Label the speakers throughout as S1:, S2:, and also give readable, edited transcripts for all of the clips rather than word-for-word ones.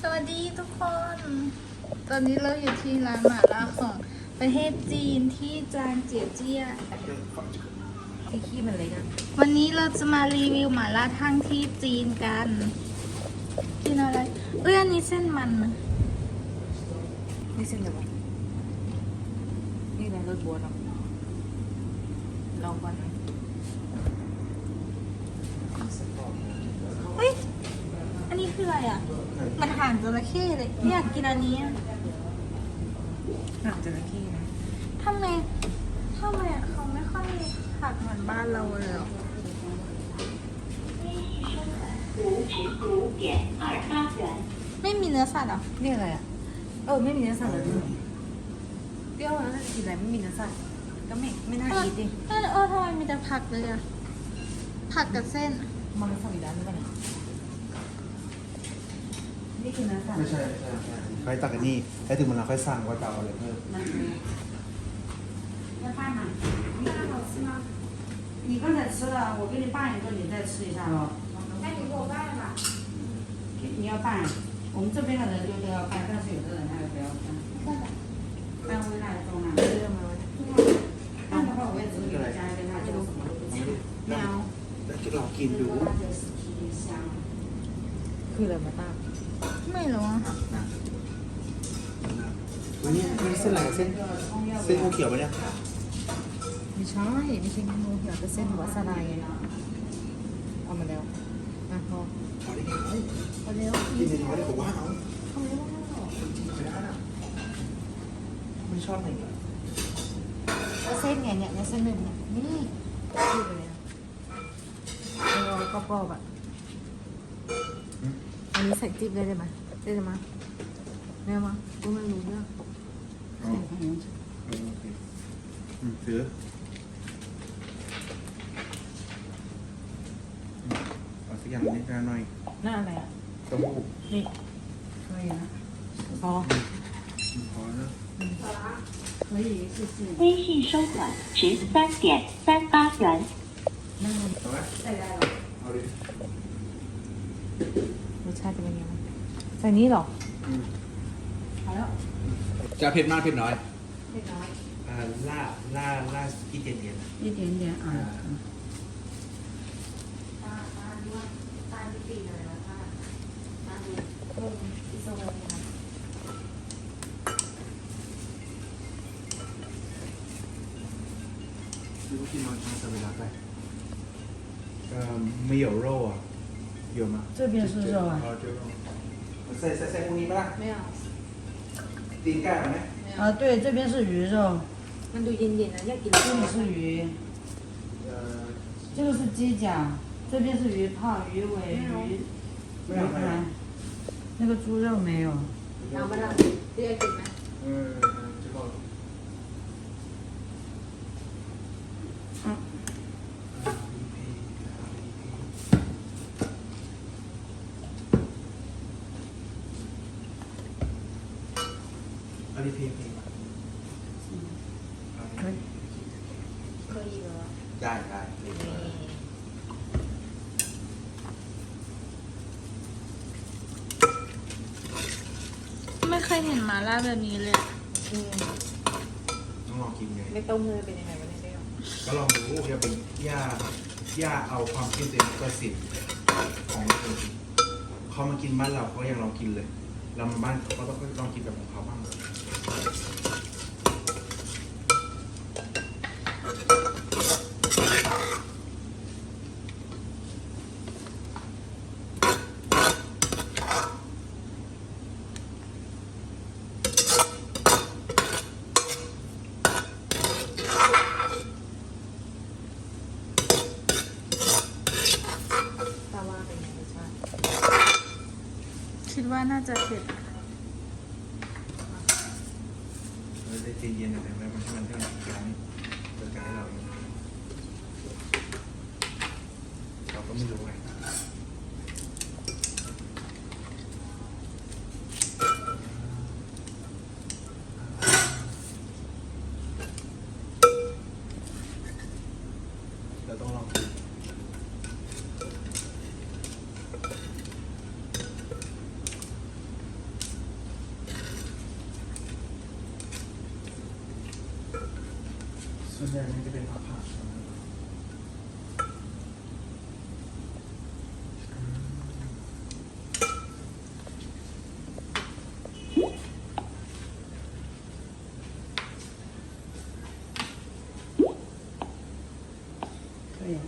S1: วัสดีทุกคน ตอนนี้เราอยู่ที่ร้านหม่าล่าของประเทศจีนที่จางเจียเจี้ย
S2: ที่ขี้มันเล็กอะ
S1: วันนี้เราจะมารีวิวหม่าล่าทั่งที่จีนกันกินอะไรอันนี้เส้นมันนะ
S2: นี่เส้นอะไรวะนี่อะไรรสบัวเราลองก่อนนะ
S1: เฮ้ยอันนี้คืออะไรอ่ะมันห่างจระเข้เลยอยากกินอันนี้อะ
S2: หนังจระเข้นะ
S1: ทำไมอะเขาไม่ค่อยผักเหมือนบ้านเราเลยหรอไม่มีเนื้อสัตว์หรอ
S2: นี่อะไรอ่ะไม่มีเนื้อสัตว์เลยเปรี้ยวแล้วถ้าจะกินอะไรไม่มีเนื้อสัตว์ก็ไม่น่าอีทดิ
S1: ทำไมมีแต่ผักเลยอะผักกับเส้น
S2: มันสวิรัติหรือเปล่าเนี่ยนี่คือเนื้อสัตว์
S3: ไม่ใช่ค่อยตักกันนี่แล้วถึงมันเราค่อยสั่งว่าจะเอาอะไรเพิ่ม
S2: 要拌吗？你看好吃吗？你刚才吃了，我给你拌一个，你再吃一下喽。那你给我拌吧。你要拌，我们这边的人就都要拌，但是有的人他就不要拌。拌回来中了。拌的话，我也只是给你加一个辣椒什么。
S3: 没有แล้วจะลองกินดู
S2: คืออะไรมาตั้ง
S1: ไม่รู้อะ
S3: วันนี้เส้นอะไรเส้นงูเขียวปะเนี่ย
S2: ไม่ใช่งูเขียวเป็นเส้นหัวสลายไงเอามาแล้วพอ
S3: พอได้ไง
S2: พอแล้ว
S3: กินในน้อยได้ผมว่าเอา
S2: ทำไมว่า
S3: ไม่ชอบหนึ่ง
S2: แล้วเส้นไงเนี่ยในเส้นหนึ่งเนี่ยนี่ดูไปเลยแล้วก็ปอบอ่ะอันนี้ใส่จิ๊บได้ไหมได้ไหมไม่เอามากูไม่รู้เรื่อง
S3: ซื้อเอาสักอย่างนี้หน่อย
S2: หน้าอะไรอ่ะ
S3: เต้าหู้
S2: นี่อะไรนะพอ
S3: พอแล้ว
S2: 可以试试
S4: 微信收款13.38元。
S3: เอาไหมเอาดิ
S2: รสชาติเป็นยังไงใส่นี้หรอพอแล้ว
S3: จะเผ็ดมากเผ็ดน้อย
S2: เผ็ดน้อย
S3: ล่ากี่เย็น
S2: 一点点啊
S3: 如果进到长沙维拉带，没有肉啊，有吗？
S2: 这边是肉啊。
S3: 哦，就肉。ใส่พวกนี้ไหมล่ะ
S2: 没有
S3: ตีนไก่ไหม
S2: 对这边是鱼肉
S1: มันดูเย็นๆนะอยากกิน
S2: 这里是鱼这个是鸡脚这边是鱼泡鱼尾鱼排那个猪肉没有
S1: เอามาทำที่อยากกินไหม
S3: 这个阿里配
S1: เคยเหรอ
S3: ได้
S1: ไม่เคยเห็นหม่าล่าแบบนี้เลย
S3: ต้องลองกินไง
S2: ไม่ต้มเลยเป็นยังไงวะเนี่ย
S3: ก็ลองดูอย่าเป็นย่าเอาความคิดเป็นประสิทธิ์ของคนเขามากินบ้านเราเขายังลองกินเลยเรามาบ้านเขาก็ต้องลองกินแบบของเขาบ้าง
S1: คิดว่าน่าจะเผ็ด
S3: เราจะใจเย็นแต่ไม่มันให้มันเรื่องการเกิดการให้เราเองเราก็ไม่รู้ไงเราต้องลองดูวนใหญ่มันจะเป็นผัก
S2: 可以。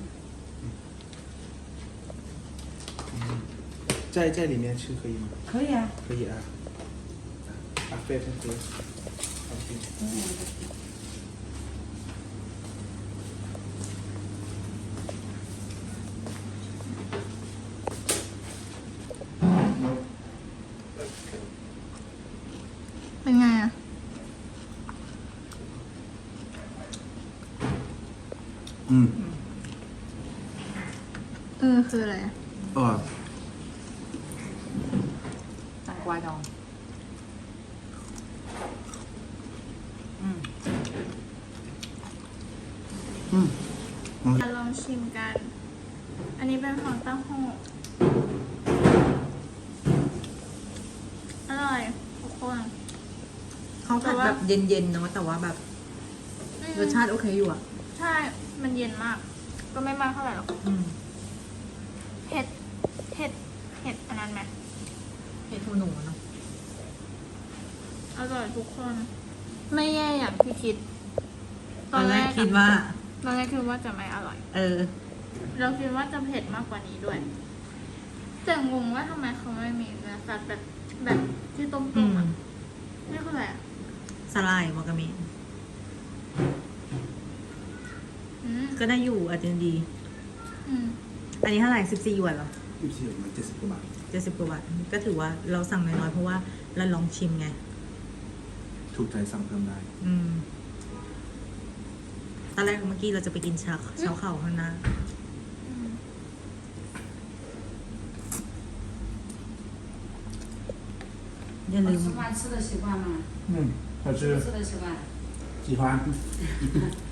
S3: 在里面吃可以吗？
S2: 可以啊。
S3: 可以啊。啊，飞飞飞。
S1: เป็นไงอ่ะ
S3: 嗯。
S1: คืออะไรอะ
S2: ตังกวาดอง
S1: มาลองชิมกัน อันนี้เป็นของเต้าหู้อร่อยทุกคน
S4: เขาผัดแบบเย็นๆเนาะแต่ว่าแบบรสชาติโอเคอยู่อ่ะ
S1: ใช่ มันเย็นมาก ก็ไม่มากเท่าไหร่หรอก
S4: อืม
S1: เห็ดอันนั้นไหม
S4: เห็ดหูหนูเนาะ
S1: อร่อยทุกคน ไม่แย่อย่างที่คิด
S4: ตอนแรกคิดว่า
S1: ตอนแรกคิดว่าจะไม่อร่อย เราคิดว่าจะเผ็ดมากกว่านี้ด้วยแต่งงว่าทำไมเขาไม่มีเนื้อสัตว์แบบที่ต้ม
S4: อืม
S1: ๆอ่ะนี่คืออะไรอ่ะ
S4: สลายวากาเมะ
S1: อืม
S4: ก็ได้อยู่อาจจะดี
S1: อืม
S4: อันนี้เท่าไหร่14 หยวนเหรอ
S3: อยู่ที่ประมาณ70 กว่าบาท
S4: 70 กว่าบาทก็ถือว่าเราสั่งน้อยๆเพราะว่าเราลองชิมไง
S3: ถูกใจสั่งเพิ่มได้
S4: อืมตอนแรกเมื่อกี้เราจะไปกินชาเข่าข้างหน้า
S1: อืม
S4: อย่าลืม
S2: 吃饭吃的习惯吗？
S3: 嗯，好吃，
S2: 吃的习惯。
S3: 喜欢。